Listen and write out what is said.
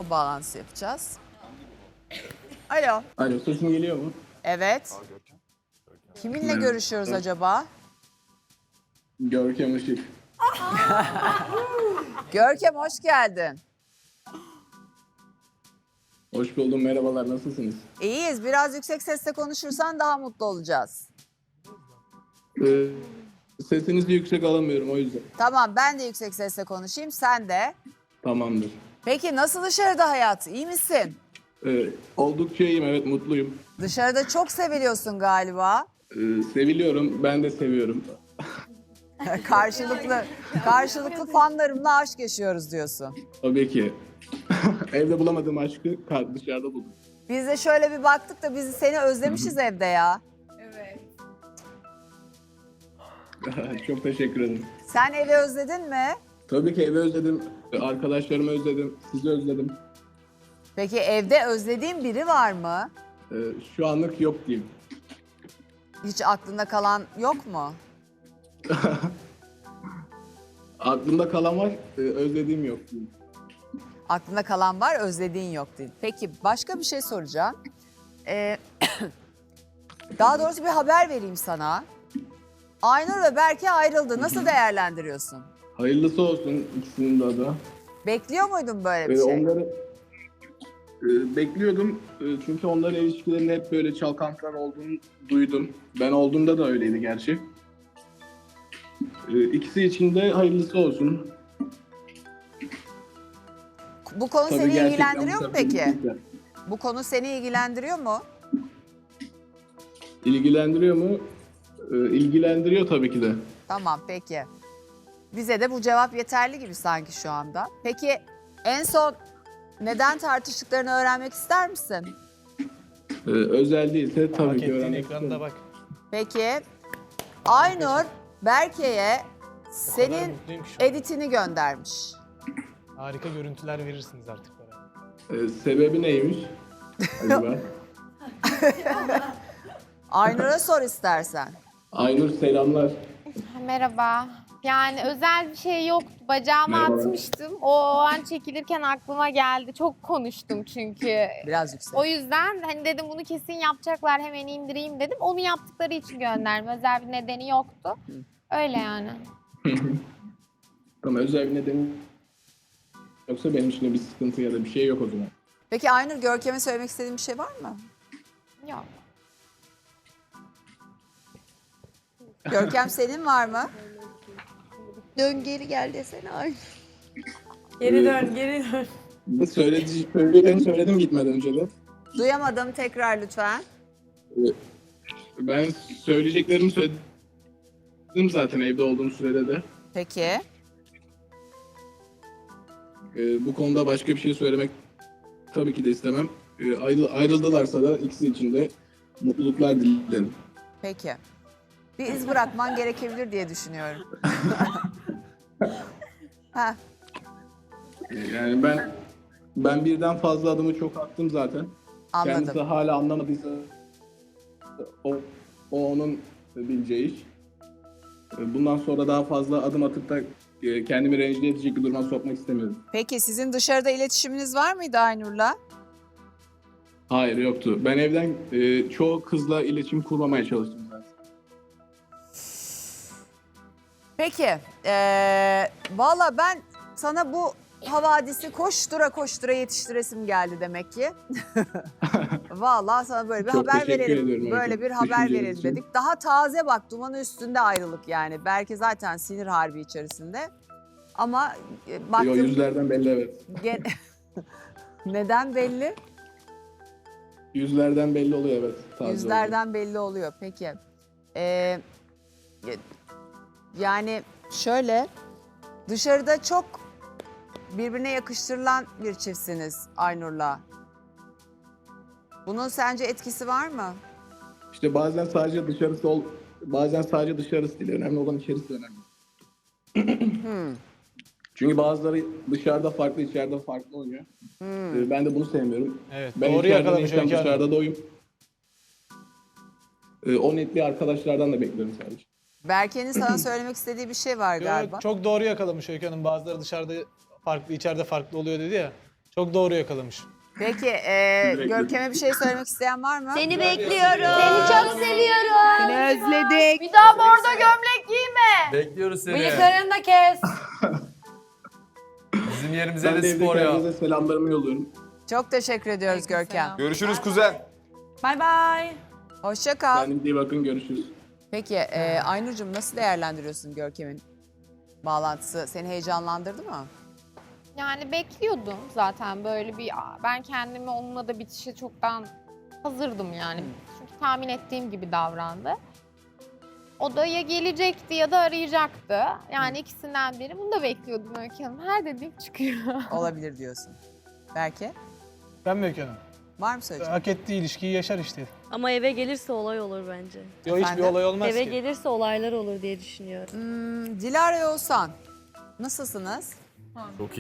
telefon bağlantısı yapacağız. Alo. Alo, sesim geliyor mu? Evet. Kiminle görüşüyoruz acaba? Görkem Işık. Görkem hoş geldin. Hoş buldum, merhabalar, nasılsınız? İyiyiz. Biraz yüksek sesle konuşursan daha mutlu olacağız. Sesinizi yüksek alamıyorum o yüzden. Tamam, ben de yüksek sesle konuşayım, sen de. Tamamdır. Peki nasıl dışarıda hayat? İyi misin? Oldukça iyiyim, evet mutluyum. Dışarıda çok seviliyorsun galiba. Seviliyorum, ben de seviyorum. Karşılıklı fanlarımla aşk yaşıyoruz diyorsun. Tabii ki. Evde bulamadığım aşkı dışarıda buldum. Biz de şöyle bir baktık da biz seni özlemişiz evde ya. Çok teşekkür ederim. Sen evi özledin mi? Tabii ki evi özledim, arkadaşlarımı özledim, sizi özledim. Peki evde özlediğin biri var mı? Şu anlık yok diyeyim. Hiç aklında kalan yok mu? Aklımda kalan var, özlediğim yok diyeyim. Aklında kalan var, özlediğin yok değil. Peki başka bir şey soracağım. Daha doğrusu bir haber vereyim sana. Aynur ve Berke ayrıldı. Nasıl değerlendiriyorsun? Hayırlısı olsun ikisinin de adı. Bekliyor muydun böyle bir şey? Onları bekliyordum çünkü onların ilişkilerinde hep böyle çalkantılar olduğunu duydum. Ben olduğumda da öyleydi gerçi. İkisi için de hayırlısı olsun. Bu konu Tabii seni gerçekten ilgilendiriyor mu bu peki? sefer Bu konu seni ilgilendiriyor mu? İlgilendiriyor mu? İlgilendiriyor tabii ki de. Tamam peki. Bize de bu cevap yeterli gibi sanki şu anda. Peki en son neden tartıştıklarını öğrenmek ister misin? Özel değilse tabii Hak ki ettiğin öğrenmek ekranda isterim. bak. Peki Aynur Berke'ye O kadar senin mutluyum ki şu an. editini göndermiş. Harika görüntüler verirsiniz artık bana. Sebebi neymiş? Acaba? Aynur'a sor istersen. Aynur selamlar. Merhaba. Yani özel bir şey yoktu. Bacağıma Merhaba. atmıştım. O an çekilirken aklıma geldi. Çok konuştum çünkü. Biraz yüksek. O yüzden hani dedim bunu kesin yapacaklar, hemen indireyim dedim. Onu yaptıkları için gönderdim. Özel bir nedeni yoktu. Öyle yani. Tamam, özel bir nedeni yoksa benim için de bir sıkıntı ya da bir şey yok o zaman. Peki Aynur, Görkem'e söylemek istediğin bir şey var mı? Yok. Görkem senin var mı? Dön geri gel desene ay. Geri dön, geri dön. Söylediğimi söyledim gitmeden önce de. Duyamadım, tekrar lütfen. Ben söyleyeceklerimi söyledim zaten evde olduğum sürede de. Peki. Bu konuda başka bir şey söylemek tabii ki de istemem. Ayrıldılarsa da ikisi için de mutluluklar dilerim. Peki. Bir iz bırakman gerekebilir diye düşünüyorum. Ha, Yani ben birden fazla adımı çok attım zaten. Kendisi anladım. hala anlamadıysa o onun bileceği iş. Bundan sonra daha fazla adım atıp da kendimi rencide edecek bir duruma sokmak istemiyorum. Peki sizin dışarıda iletişiminiz var mıydı Aynur'la? Hayır, yoktu. Ben evden çoğu kızla iletişim kurmamaya çalıştım zaten. Peki. Valla ben sana bu havadisi koştura koştura yetiştiresim geldi demek ki. Valla sana böyle bir Çok haber teşekkür verelim. ediyorum Böyle hocam, bir haber düşünceniz verelim için. dedik. Daha taze bak, dumanı üstünde ayrılık yani. Belki zaten sinir harbi içerisinde. Ama O baktım... yüzlerden belli, evet. Neden belli? Yüzlerden belli oluyor, evet. Taze Yüzlerden belli oluyor. Peki. Yani şöyle, dışarıda çok birbirine yakıştırılan bir çiftsiniz Aynur'la. Bunun sence etkisi var mı? İşte bazen sadece dışarısı değil. Önemli olan içerisi de önemli. Çünkü bazıları dışarıda farklı, içeride farklı oynuyor. Ben de bunu sevmiyorum. Evet, Ben doğru içeride yakalamış değilsem Öykü Hanım. dışarıda da oyum. O netliği arkadaşlardan da bekliyorum sadece. Berke'nin sana söylemek istediği bir şey var galiba. Çok doğru yakalamış Öykü Hanım. Bazıları dışarıda farklı, içeride farklı oluyor dedi ya. Çok doğru yakalamış. Peki Görkem'e bir şey söylemek isteyen var mı? Seni bekliyorum. Seni çok seviyorum. Seni özledik. Bir daha bordo gömlek giyme. Bekliyoruz seni. Bıyıklarını da kes. Bizim yerimize Ben de de spor evdeki ya. herkese selamlarımı yolluyorum. Çok teşekkür ediyoruz Görkem. Görüşürüz kuzen. Bay bay. Hoşça kal. Kendinize iyi bakın, görüşürüz. Peki Aynur'cum nasıl değerlendiriyorsun Görkem'in bağlantısı? Seni heyecanlandırdı mı? Yani bekliyordum zaten böyle bir, ben kendimi onunla da bitişe çoktan hazırdım yani. Çünkü tahmin ettiğim gibi davrandı. O da ya gelecekti ya da arayacaktı. Yani ikisinden biri. Bunu da bekliyordum Öykü Hanım. Her dediğim çıkıyor. Olabilir diyorsun. Belki. Ben mi Öykü Hanım? Var mı söyleyeceğin? Hak ettiği ilişkiyi yaşar işte. Ama eve gelirse olay olur bence. Yo, hiçbir Efendim? olay olmaz Eve ki. gelirse olaylar olur diye düşünüyorum. Dilara Oğuzhan, nasılsınız? Çok